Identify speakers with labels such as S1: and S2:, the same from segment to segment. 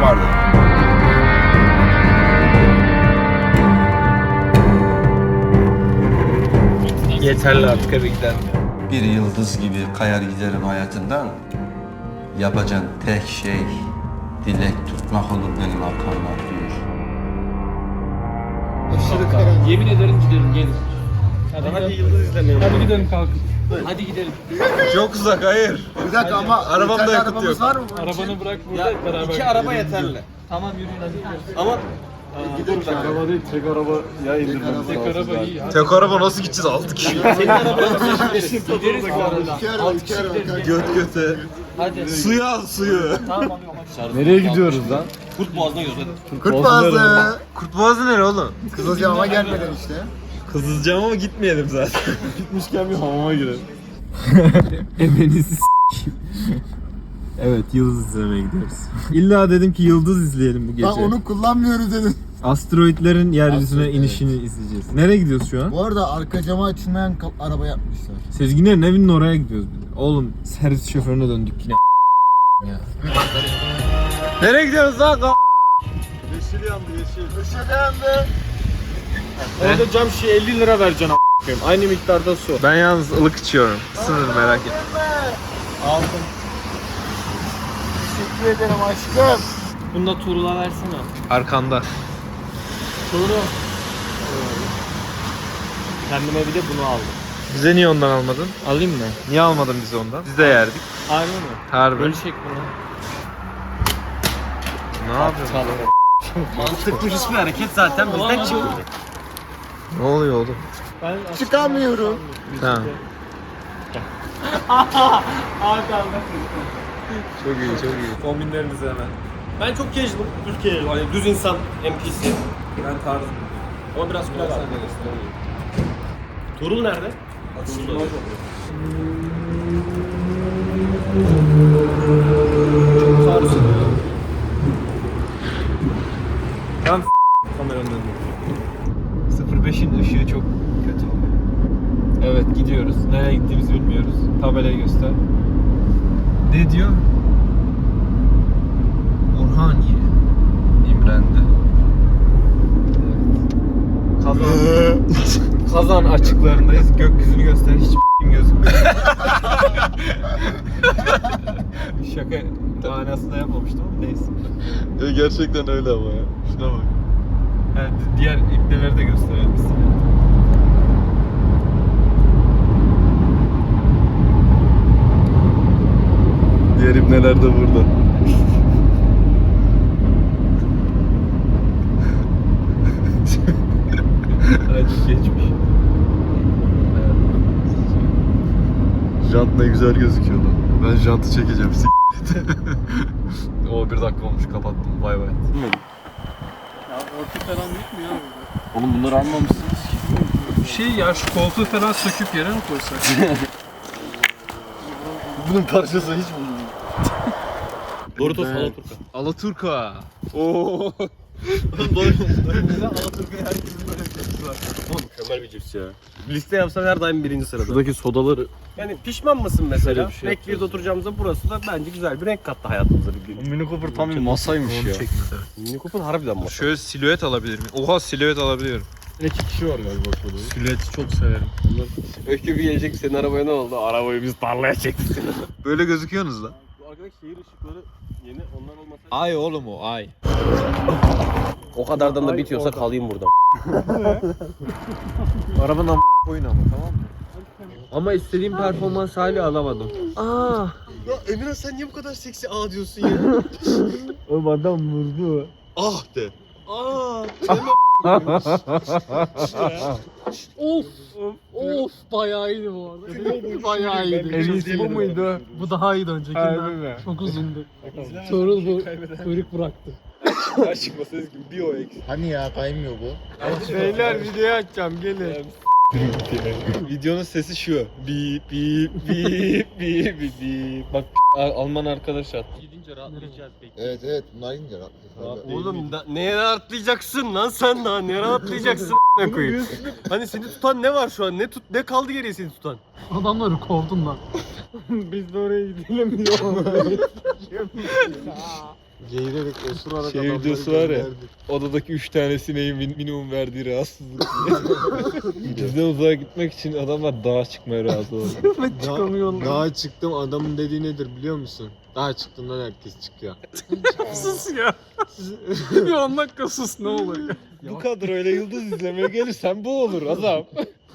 S1: vardı.
S2: Yeterli artık eve gidelim.
S3: Bir yıldız gibi kayar giderim hayatından. Yapacağın tek şey dilek tutmak olur benim arkamdan diyor.
S4: Aşırı karanlık.
S5: Yemin ederim gidelim gelin.
S2: Hadi yıldız izlemeyelim.
S5: Hadi gidelim kalkın. Hadi gidelim.
S2: Çok uzak, hayır.
S1: Bir dakika ama
S2: Arabamda
S1: yeterli
S2: yakıt
S1: arabamız
S2: yok.
S1: var mı? bunun için?
S5: Arabanı bırak burada beraber.
S2: İki araba yeterli.
S5: Tamam yürüyün hadi gidiyoruz.
S2: Ama
S1: Gidelim şu an.
S4: Araba değil, tek araba ya indirmemiz
S5: Tek
S4: lazım.
S5: araba iyi ya.
S2: tek araba nasıl gideceğiz 6 kişi?
S5: Senin arabaya gideriz. Gideriz bu arada.
S1: İki araba, iki araba kanka.
S2: Göt göte.
S5: Hadi.
S2: Suya al suyu.
S5: Tamam hadi.
S4: Nereye gidiyoruz lan?
S2: Kurt boğazına gidiyoruz hadi.
S1: Kurt Boğazı.
S2: Kurt boğazı nere oğlum?
S1: Kızılcahamam'a gelmeden işte.
S2: Kızılcam ama gitmeyelim zaten.
S4: Gitmişken bir hamama girelim.
S6: Emenizi Evet, yıldız izlemeye gidiyoruz. İlla dedim ki yıldız izleyelim bu gece.
S1: Ben onu kullanmıyoruz dedim.
S6: Asteroidlerin yeryüzüne
S1: Asteroid,
S6: inişini izleyeceğiz. Nereye gidiyoruz şu an?
S1: Bu arada arka cama açılmayan araba yapmışlar.
S6: Sezginlerin evinin oraya gidiyoruz bir de. Oğlum servis şoförüne döndük yine ya.
S2: Nereye gidiyoruz lan?
S4: Yeşil yandı yeşil.
S1: Işık yandı.
S4: Orada cam şişe 50 lira vereceksin a**ayım. Aynı miktarda su.
S2: Ben yalnız ılık içiyorum. Sınır merak etme.
S1: Aldım. Teşekkür ederim aşkım.
S5: Bunu da Tuğrul'a versene.
S2: Arkanda.
S5: Tuğrul. Kendime bir de bunu aldım.
S2: Bize niye ondan almadın?
S5: Alayım mı?
S2: Niye almadın bize ondan? Biz de yerdik.
S5: Harbi mi?
S2: Harbi.
S5: Bölüşek bunu.
S2: Ne yapıyorsun?
S5: Mantıklı hiçbir hareket zaten bizden çıktı.
S2: Ne oluyor oğlum?
S5: Ben
S1: Çıkamıyorum.
S2: Tamam.
S5: Hakan.
S2: Çok iyi, çok iyi.
S6: Kombinlerinizi hemen.
S4: Ben çok casual, Türkiye hani düz insan NPC.
S6: Ben tarzım.
S4: Ama biraz kulaç var. Tuğrul nerede? Tuğrul.
S6: Ben kameranın önünde.
S2: 05'in ışığı çok kötü.
S6: Evet, gidiyoruz. Nereye gittiğimizi bilmiyoruz. Tabelayı göster.
S2: Ne diyor? Orhaniye. İmrendi.
S6: Kazan açıklarındayız. Gökyüzünü göster. Hiç gözükmüyor. Şaka manasında yapmamıştım ama neyse.
S2: Gerçekten öyle ama ya. Şuna bak.
S6: Yani diğer ipneleri de gösterelim size.
S2: Diğer ibneler de burada.
S6: Acı geçmiş.
S2: Jant ne güzel gözüküyor lan. Ben jantı çekeceğim.
S6: O 1 dakika olmuş, kapattım. Bay bay.
S5: Ya orta falan yok mu ya?
S4: Oğlum bunları almamışsınız ki.
S5: Şey ya şu koltuğu falan söküp yere mi koysak?
S4: Bunun parçası hiç bulunmuyor. Doritos Alaturka.
S2: Alaturka. Oo.
S4: Mükemmel bir cips ya. Liste yapsan her daim birinci sırada. Şuradaki sodaları. Yani pişman mısın mesela?
S7: Öyle bir şey
S4: McVitie'de oturacağımızda burası da bence güzel bir renk kattı hayatımıza bir gün.
S7: Mini Cooper tam bir masaymış ya.
S4: Mini Cooper harbiden masa.
S2: Şöyle silüet alabilir miyim? Oha, silüet alabiliyorum.
S4: 2 kişi var galiba şurada.
S2: Silüeti çok severim.
S4: Öykü bir gelecek, senin arabaya ne oldu? Arabayı biz tarlaya çektik.
S2: Böyle gözüküyorsunuz lan.
S4: Bu arkadaki şehir ışıkları yeni, onlar olmasa...
S2: Ay oğlum o, ay.
S4: O kadardan da bitiyorsa kalayım burada.
S2: Arabanın koyun ama, tamam mı?
S5: Ama istediğim performans hali alamadım.
S4: Ya Emirhan sen niye bu kadar seksi diyorsun ya?
S5: Oğlum adam vurdu.
S4: Ah de.
S5: Of bayağı iyiydi bu arada. Bayağı iyiydi. Bu muydu? Bu daha iyiydi öncekinden. Çok uzundu. Tuğrul bu kuyruk bıraktı.
S1: Hani ya kaymıyor bu.
S5: Beyler video açacağım gelin.
S2: Videonun sesi şu. Bip bip bip bip bip bip. Bak Alman arkadaş attı.
S5: Gidince rahatlayacağız peki.
S1: Evet evet bunlar ince rahat.
S4: Oğlum neye rahatlayacaksın lan sen daha? Neye rahatlayacaksın ne koyayım? Hani seni tutan ne var şu an? Ne kaldı geriye seni tutan?
S5: Adamları kovdun lan. Biz de oraya gidelim diyor.
S1: Geğirerek osurarak
S2: Şey
S1: adamları
S2: videosu var ya.
S1: gönderdi.
S2: Odadaki 3 tane sineğin minimum verdiği rahatsızlık. Bizden uzağa gitmek için adamlar dağa çıkmaya razı oldu.
S5: Çıkamıyorlar.
S1: Dağa çıktım, adamın dediği nedir biliyor musun? Dağa çıktığından herkes çıkıyor.
S5: Sus ya. Bir 10 dakika sus ne olur.
S2: Bu kadroyla yıldız izlemeye gelirsen bu olur adam.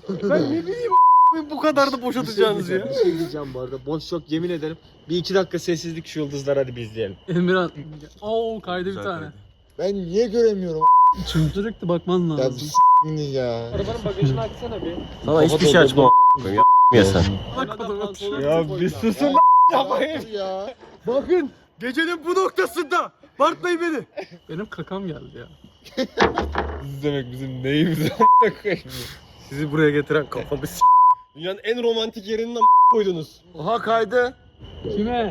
S4: Bu kadar da boşatacağınız ya.
S1: Bir şey diyeceğim bu arada. Boş yok yemin ederim. Bir 2 dakika sessizlik şu yıldızlar hadi bir izleyelim.
S5: Emirhan. Oo kaydı bir tane.
S1: Ben niye göremiyorum
S5: Çünkü sürekli bakman
S1: ya
S5: lazım.
S1: bir ya.
S5: Arabanın bagajını açsana bir.
S4: Sana hiçbir şey açma ya sen.
S2: Ya bir susun
S1: Yapmayın ya.
S4: Bakın gecenin bu noktasında Bartlayın beni.
S5: Benim kakam geldi ya.
S2: izlemek bizim neyimize
S4: Sizi buraya getiren kafamı Dünyanın en romantik yerinden koydunuz.
S1: Oha kaydı.
S5: Kime?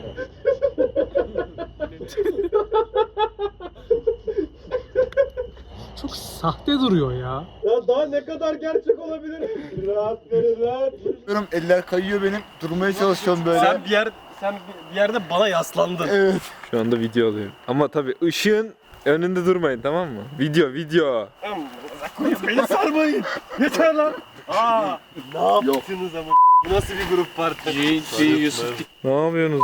S5: Çok sahte duruyor ya.
S4: Ya daha ne kadar gerçek olabilir? Rahat verin rahat.
S1: Eller kayıyor benim. Durmaya çalışıyorum böyle.
S4: Sen bir yerde bana yaslandın.
S1: Evet.
S6: Şu anda video alıyorum. Ama tabii ışığın önünde durmayın, tamam mı? Video.
S4: Beni sarmayın. Yeter lan. Aa, ne yaptınız ama? Bu nasıl bir grup parti?
S6: Ne yapıyorsunuz?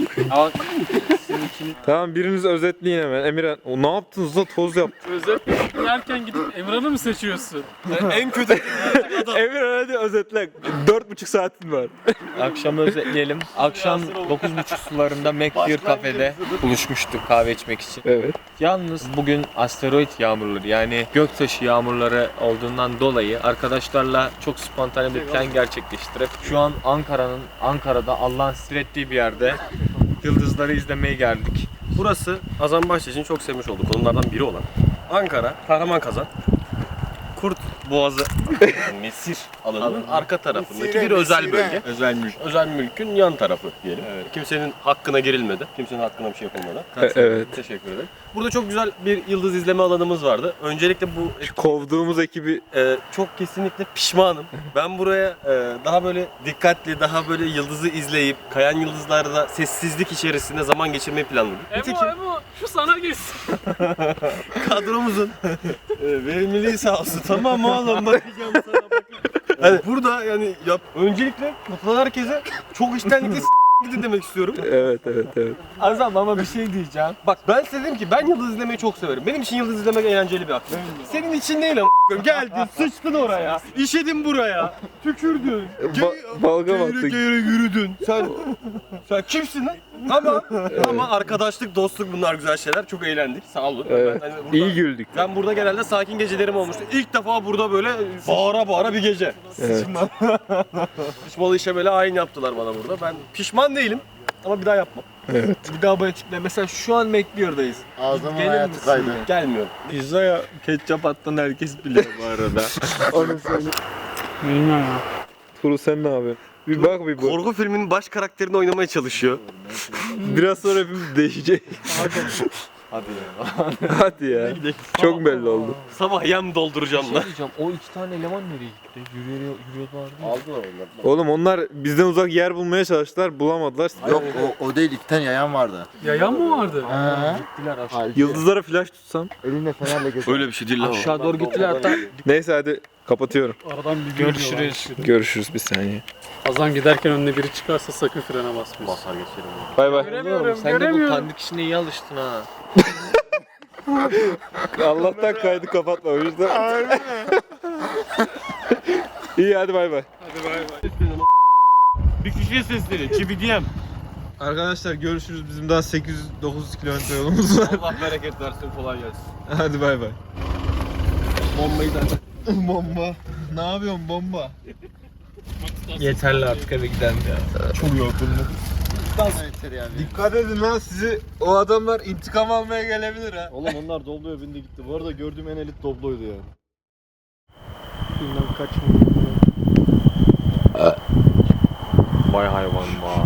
S6: Tamam, biriniz özetleyin hemen. Emirhan, o ne yaptınız da toz yaptı.
S5: Özet yerken gidip Emran'ı mı seçiyorsun?
S4: En kötü
S6: Emirhan hadi özetle. 4,5 saatin var.
S7: Akşam özetleyelim. Akşam 9.30 sularında McBeer kafede buluşmuştuk kahve içmek için.
S6: Evet.
S7: Yalnız bugün asteroid yağmurları yani göktaşı yağmurları olduğundan dolayı arkadaşlarla çok spontane bir plan gerçekleştirip şu an Ankara'da Allah'ın sihrettiği bir yerde yıldızları izlemeye geldik.
S4: Burası Azambaşı için çok sevmiş olduğu konulardan biri olan Ankara, Kahramanmazan, Kurt Boğazı Mesir alanının arka tarafındaki bir özel bölge.
S7: Özel mülk.
S4: Özel mülkün yan tarafı diyelim. Kimsenin hakkına girilmedi. Kimsenin hakkına bir şey yapılmadı.
S6: Evet.
S4: Teşekkür ederim. Burada çok güzel bir yıldız izleme alanımız vardı. Öncelikle bu
S6: Kovduğumuz ekibi
S4: çok kesinlikle pişmanım. Ben buraya daha böyle dikkatli, daha böyle yıldızı izleyip kayan yıldızlarda sessizlik içerisinde zaman geçirmeyi planladım.
S5: Emo şu sana gitsin.
S4: Kadromuzun verimliliği sağ olsun. Tamam oğlum bakacağım sana bakacağım. Hani burada yani öncelikle katılan herkese çok içtenlikle gidi demek istiyorum.
S6: Evet.
S7: Azam ama bir şey diyeceğim.
S4: Bak ben size dedim ki ben yıldız izlemeyi çok severim. Benim için yıldız izlemek eğlenceli bir aktivite. Senin için değil ama geldin sıçtın oraya. İşedin buraya. Tükürdün.
S6: Balgam attık.
S4: Geğire yürüdün. Sen kimsin lan? Ama arkadaşlık, dostluk bunlar güzel şeyler. Çok eğlendik. Sağ olun.
S6: Evet.
S4: Ben, burada,
S6: İyi güldük.
S4: ben burada genelde sakin gecelerim olmuştu. İlk defa burada böyle bağıra bir gece.
S6: Evet.
S4: Pişmalı işe böyle ayin yaptılar bana burada. Ben pişman değilim ama bir daha yapmam.
S6: Evet.
S7: Bir daha böyle tiple. Mesela şu an McBeer'dayız.
S1: Ağzıma
S7: Gelir
S1: hayatı
S7: misin?
S1: kaydı.
S4: Gelmiyorum.
S7: Pizzaya ketçap attın herkes biliyor bu arada.
S1: Onu söyle.
S5: Bilmiyorum ya.
S6: Turu sen ne yapıyorsun? Bir bak bir bu.
S4: Korku filminin baş karakterini oynamaya çalışıyor.
S6: Biraz sonra hepimiz değişecek.
S7: Hadi ya.
S6: Hadi ya. Çok belli oldu.
S4: Sabah yem dolduracağım lan.
S7: diyeceğim. O iki tane eleman nereye gitti? Yürüyorlardı.
S4: Aldılar onlar.
S6: Oğlum onlar bizden uzak yer bulmaya çalıştılar, bulamadılar.
S1: Yok o değil, 2 tane yayan vardı.
S5: Yayan mı vardı?
S7: Gittiler aşağı.
S1: Hayır.
S6: Yıldızlara flash tutsam.
S1: Elinde fenerle geziyor.
S4: Öyle bir şey değil lan o.
S7: Aşağı doğru gittiler hatta.
S6: Neyse hadi kapatıyorum.
S5: Aradan bir
S7: Görüşürüz.
S6: Görüşürüz bir saniye.
S5: Azam giderken önüne biri çıkarsa sakın frene basmayın.
S4: Basar geçerim.
S6: Bay bay.
S5: Göremiyorum,
S7: Sen de bu
S5: göremiyorum.
S7: tanıdık işine iyi alıştın ha.
S6: Allah'tan kaydı kapatma o yüzden. İyi hadi bay bay.
S4: Bir kişiye sesleri. Çibidiyem.
S6: Arkadaşlar görüşürüz. Bizim daha 800-900 kilometre yolumuz var.
S4: Allah bereket versin. Kolay gelsin.
S6: Hadi bay bay.
S4: Bombayı da
S1: Bomba. Ne yapıyorsun bomba?
S7: Yeterli artık eve gidelim ya.
S6: Çok yorgunum.
S1: Yeter yani.
S6: Dikkat edin lan, sizi o adamlar intikam almaya gelebilir ha.
S1: Oğlum onlar Doblo'ya bindi gitti. Bu arada gördüğüm en elit Doblo'ydu yani.
S5: Bilmem kaç
S7: Vay hayvan vay.